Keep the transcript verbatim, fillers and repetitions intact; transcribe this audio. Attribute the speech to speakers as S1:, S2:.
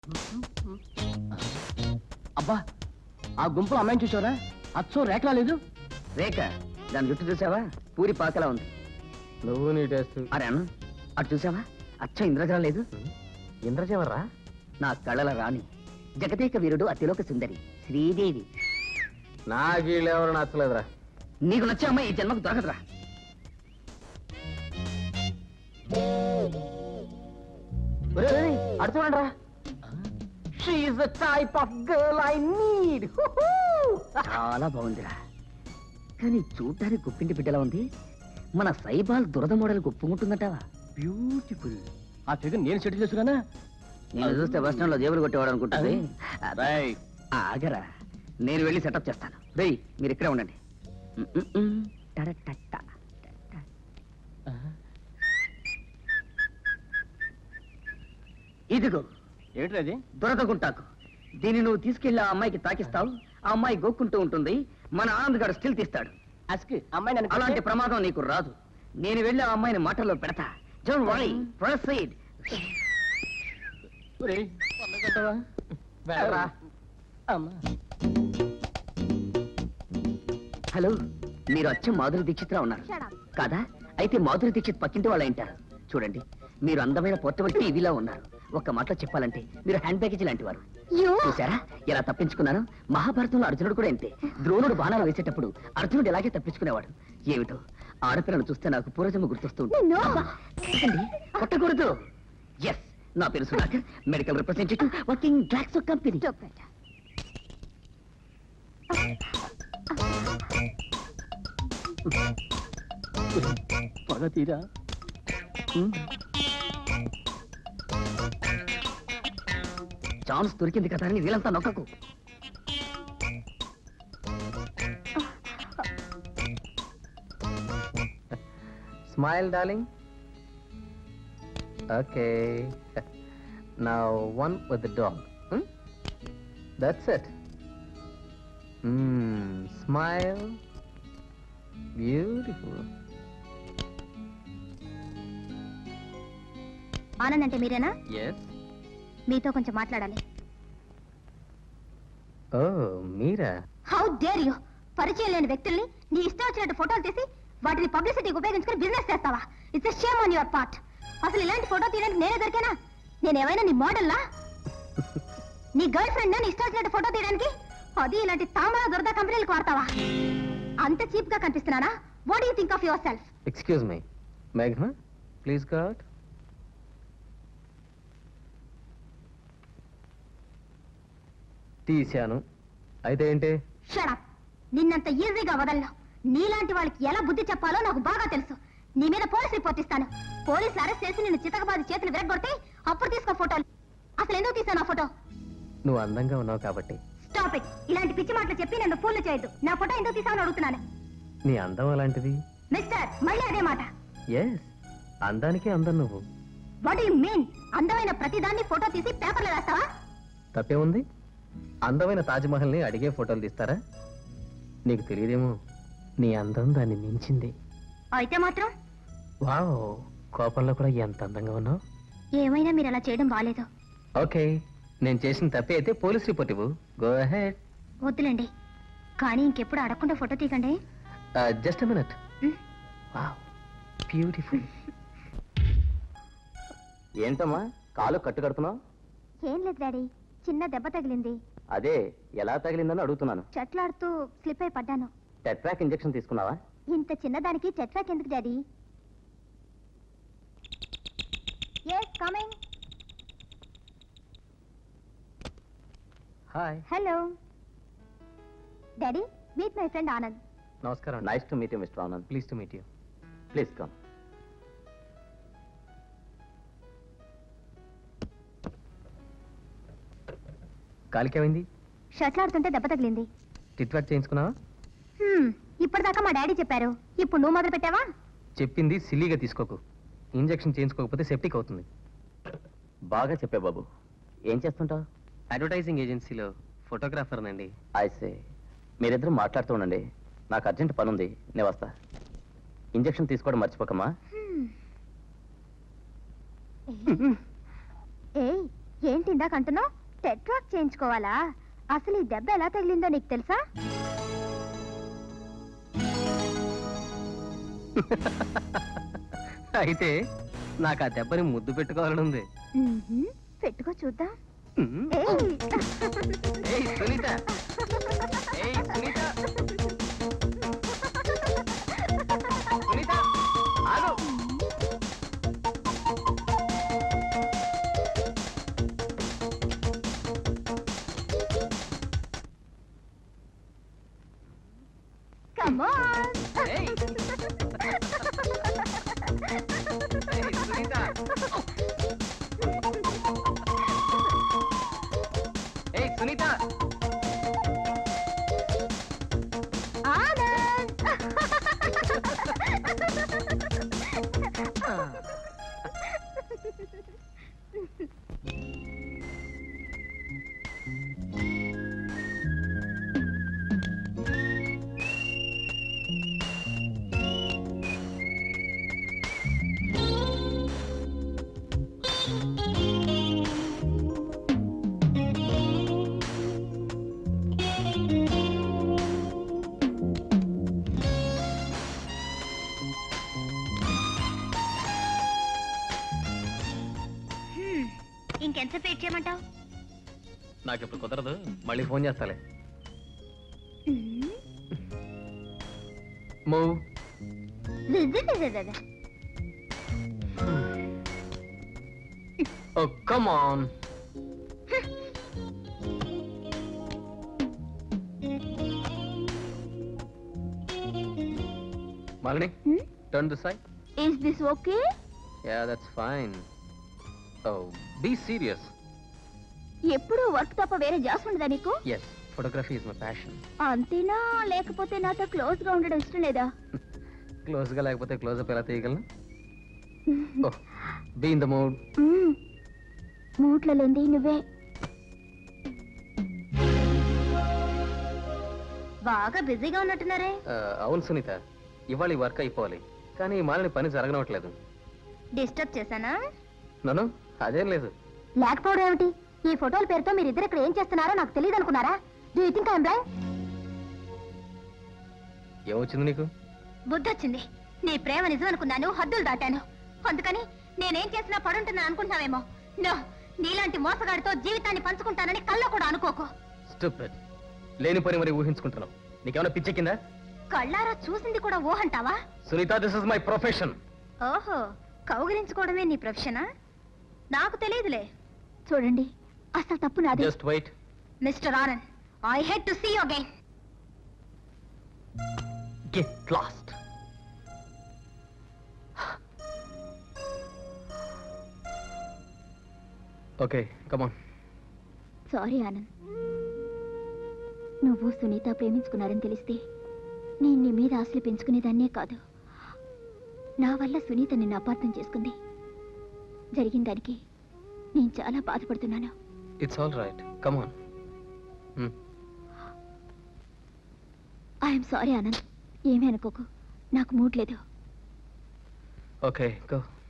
S1: అబ్బా, ఆ గుంపులో అమ్మాయిని చూసావరా? అచ్చో రేఖలా లేదు.
S2: రేఖ? దాని జుట్టు చూసావా? పూరి పాకలా ఉంది.
S1: నువ్వు నీ టేస్ట్.
S2: అరే అన్న, అటు చూసావా? అచ్చ ఇంద్రజల లేదు.
S1: ఇంద్రజెవర్రా?
S2: నా కళల రాణి, జగదేక వీరుడు, అతిలోక సుందరి శ్రీదేవి.
S1: నాకు వీళ్ళెవరు నచ్చలేదురా.
S2: నీకు నచ్చే అమ్మాయి ఈ జన్మకు దొరకదురా.
S1: అడు చూడండిరా. She is the type of girl I need.
S2: చాలా బాగుందిరా, కానీ చూడ్డానికి గుప్పింటి బిడ్డలా ఉంది. మన సైబాల్ దురద మోడల్ గుప్పుకుంటుందట.
S1: బ్యూటిఫుల్. ఆ ఫిగర్ నేను సెటిల్ చేసుకున్నానా?
S2: నేను చూస్తే బస్ స్టాండ్ లో జేబులు కొట్టేవాడు అనుకుంటుంది. ఆగరా, నేను వెళ్ళి సెటప్ చేస్తాను. రేయ్, మీరు ఇక్కడే ఉండండి. ఇదిగో
S1: ఏమిటది?
S2: దురద గుంటాకు. దీన్ని నువ్వు తీసుకెళ్లి ఆ అమ్మాయికి తాకిస్తావు. ఆ అమ్మాయి గోక్కుంటూ ఉంటుంది. మన ఆనంద్ గారు స్టిల్ తీస్తాడు.
S1: అస్కి అమ్మాయి
S2: అలాంటి ప్రమాదం నీకు రాదు. నేను వెళ్ళి ఆ అమ్మాయిని మాటల్లో పెడతా. Don't worry, proceed. హలో, మీరు అచ్చం మాధురి దీక్షిత్రా ఉన్నారు కాదా? అయితే మాధురి దీక్షిత్ పక్కింటి వాళ్ళ ఇంటారు. చూడండి, మీరు అందమైన పోర్టబుల్ టీవీలో ఉన్నారు. ఒక్క మాటలో చెప్పాలంటే మీరు హ్యాండ్ బ్యాగేజ్ లాంటి వారు. చూసారా ఎలా తప్పించుకున్నాను? మహాభారతంలో అర్జునుడు కూడా అంతే. ద్రోణుడు బాణాలు వేసేటప్పుడు అర్జునుడు ఇలాగే తప్పించుకునేవాడు. ఏమిటో ఆడపిల్లను చూస్తే నాకు పూర్వజన్మ గుర్తొస్తూ ఉంటుంది. కొట్టకూడదు. ఎస్, నా పేరు Sudhakar, medical representative, working Glaxo company.
S1: పగ తీరా.
S2: ఛాన్స్ దొరికింది కదా అని వీళ్ళంతా నొక్కకు.
S1: Smile, darling. Okay. Now one with the dog. Hmm? That's it. Hmm. Smile. Beautiful.
S3: Anand అంటే మీరేనా?
S1: Yes.
S3: మీతో కొంచెం మాట్లాడాలి.
S1: Oh, మీరా?
S3: How dare you! పరిచయం లేని వ్యక్తుల్ని నీ ఇష్టం వచ్చినట్టు ఫోటోలు తీసి వాటిని పబ్లిసిటీకి ఉపయోగించుకుని బిజినెస్ చేస్తావా? It's a shame on your part. అసలు ఇలాంటి ఫోటో తీయడానికి నేనే దొరికానా? నేనేమైనా నీ మోడల్లా? నీ గర్ల్ ఫ్రెండ్ నీ ఇష్టం వచ్చినట్టు ఫోటో తీయడానికి? అది ఇలాంటి తామర దురద కంపెనీలకు వాడతావా? అంత చీప్ గా కనిపిస్తున్నానా? What do you think of yourself?
S1: Excuse me. Meghna, please go out. తీశాను. అయితే ఏంటి?
S3: Shut up. నిన్నంత ఈజీగా వదలను. నీలాంటి వాళ్ళకి ఎలా బుద్ధి చెప్పాలో నాకు బాగా తెలుసు. నీ మీద పోలీస్ రిపోర్ట్ ఇస్తాను. పోలీసులు అరెస్ట్ చేసి నిన్ను చితకబాది చేతులు విరగొడితే అప్పుడు తీసుకో ఫోటోలు. అసలు ఎందుకు తీసాను ఆ ఫోటో?
S1: నువ్వు అందంగా ఉన్నావు కాబట్టి.
S3: Stop it. ఇలాంటి పిచ్చి మాటలు చెప్పి నన్ను ఫూల్ చేయొద్దు. నా ఫోటో ఎందుకు తీసావని అడుగుతున్నాను.
S1: నీ అందం అలాంటిది.
S3: మిస్టర్, మళ్ళీ అదే మాట.
S1: ఎస్, అందానికి అందం నువ్వు.
S3: What you mean? అందమైన ప్రతిదాన్ని ఫోటో తీసి పేపర్లో వేస్తావా?
S1: తప్పే ఉంది. అందమైన తాజ్మహల్ని అడిగే ఫోటోలు తీస్తారా? నీకు తెలియదేమో, నీ అందం దాన్ని మించింది.
S3: అయితే మాత్రం
S1: వావ్, కోపంలో కూడా ఎంత అందంగా ఉన్నావు.
S3: ఏమైనా మీరు అలా చేయడం బాలేదు.
S1: ఓకే, నేను చేసిన తప్పే అయితే పోలీస్ రిపోర్ట్ ఇవ్వు. Go ahead.
S3: వద్దులేండి, కానీ ఇంకెప్పుడు అడగకుండా ఫోటో తీయకండి.
S1: Just minute. Wow, beautiful. ఏంటమ్మా కాలు కట్టు కడుతున్నావు?
S3: ఏం లేదు డాడీ, చిన్న దెబ్బ తగిలింది.
S1: అదే ఎలా తగిలిందని అడుగుతున్నాను.
S3: చెట్లాడుతూ స్లిప్ అయి పడ్డాను.
S1: టెట్రాక్ ఇంజెక్షన్ తీసుకున్నావా?
S3: ఇంత చిన్నదానికి చెట్లాక్ ఎందుకు daddy? yes coming.
S1: Hi.
S3: Hello daddy, meet my friend Anand.
S1: నమస్కారం. Nice to meet you mister Anand. Please to meet you. Please come. కాలికేమైంది?
S3: షట్లాడుతుంటే దెబ్బ తగిలింది.
S1: టిట్వాక్ చేయించుకున్నావా?
S3: ఇప్పటిదాకా మా డాడీ చెప్పారు, ఇప్పుడు నువ్వు మొదలు పెట్టావా?
S1: చెప్పింది సిల్లీగా తీసుకోకు. ఇంజెక్షన్ చేయించుకోకపోతే సెప్టిక్ అవుతుంది. బాగా చెప్పే బాబు. ఏం చేస్తుంటావు? అడ్వర్టైజింగ్ ఏజెన్సీలో ఫోటోగ్రాఫర్ నండి. ఐసే. మీరిద్దరు మాట్లాడుతూ ఉండండి, నాకు అర్జెంట్ పని ఉంది, నేను వస్తా. ఇంజెక్షన్ తీసుకోవడం మర్చిపోకమ్మా.
S3: ఏయ్, ఏంటి ఇందాక అంటున్నావు టెట్రాక్ చేయించుకోవాలా? అసలు ఈ దెబ్బ ఎలా తగిలిందో నీకు తెలుసా?
S1: అయితే నాకు ఆ దెబ్బని ముద్దు పెట్టుకోవాలని ఉంది.
S3: మ్మ్హ్మ్. పెట్టుకో చూద్దాం.
S1: మ్మ్.
S3: ఏయ్.
S1: ఏయ్, సునీత. ఏయ్, సునీత. సునీత, ఆగు.
S3: Come on.
S1: ఏయ్. ఏయ్, సునీత. ఏయ్, సునీత.
S3: ఆనంద్. హ్మ్. ఇంకెంతసేపు వెయిట్ చేయమంటావు?
S1: నాకు ఇప్పుడు కుదరదు, మళ్ళీ ఫోన్ చేస్తాలే. Move. Oh, come on. Malini,
S3: Hmm?
S1: turn this side.
S3: Is this okay?
S1: Yeah, that's fine. Oh, be serious.
S3: ఎప్పుడు వర్క్ తప్ప వేరే జాస్ ఉండదా నీకు?
S1: Yes, photography is my passion.
S3: అంతేనా? లేకపోతే నాతో క్లోజ్ గా ఉండడం ఇష్టం లేదా?
S1: Close గా లేకపోతే క్లోజ్ అప్ ఎలా తీయగలను? Oh, be in the mood.
S3: మూట్లో లేంది నువ్వే. బాగా బిజీగా ఉన్నట్టున్నారే.
S1: Uh, అవును సునీత, ఇవాళ ఈ వర్క్ అయిపోవాలి, కానీ మాలిని పని జరగనట్లేదు.
S3: డిస్టర్బ్ చేశానా?
S1: నన్ను అదేం లేదు.
S3: లేకపోవడం ఏమిటి? ఈ ఫోటోల పేరుతో మీరిద్దరు ఇక్కడ ఏం చేస్తున్నారో నాకు తెలియదు అనుకున్నారా? Do you think I am blind?
S1: ఏమొచ్చింది నీకు?
S3: బుద్ధి వచ్చింది. నీ ప్రేమ నిజం అనుకున్నాను, హద్దులు దాటాను. అందుకని నేనేం చేసినా పడుంటున్నా అనుకుంటున్నావేమో. నో, నీలాంటి మోసగాడితో జీవితాన్ని పంచుకుంటానని కల్లో కూడా అనుకోకు.
S1: Stupid. లేని పని మరి ఊహించుకుంటున్నావు. నీకేమైనా పిచ్చెక్కిందా?
S3: కళ్ళారా చూసింది కూడా ఊహంటావా?
S1: Sunitha, this is my profession.
S3: ఓహో, కౌగిలించుకోవడమే నీ ప్రొఫెషనా? నాకు తెలియదులే. చూడండి, అసలు తప్పు నాది.
S1: Just wait.
S3: Mister Anand, I hate to see you again.
S1: Get lost. Okay, come on.
S3: Sorry Anand, నువ్వు సునీత ప్రేమించుకున్నారని తెలిస్తే నేను నీ మీద ఆశలు పెంచుకునేదాన్నే కాదు. నా వల్ల సునీత నిన్ను అపార్థం చేసుకుంది. జరిగిన దానికి నేను చాలా బాధపడుతున్నాను.
S1: It's all right, come on.
S3: I'm sorry Anand, ఏమీ అనుకోకు, నాకు మూడ్ లేదు.
S1: Okay, go.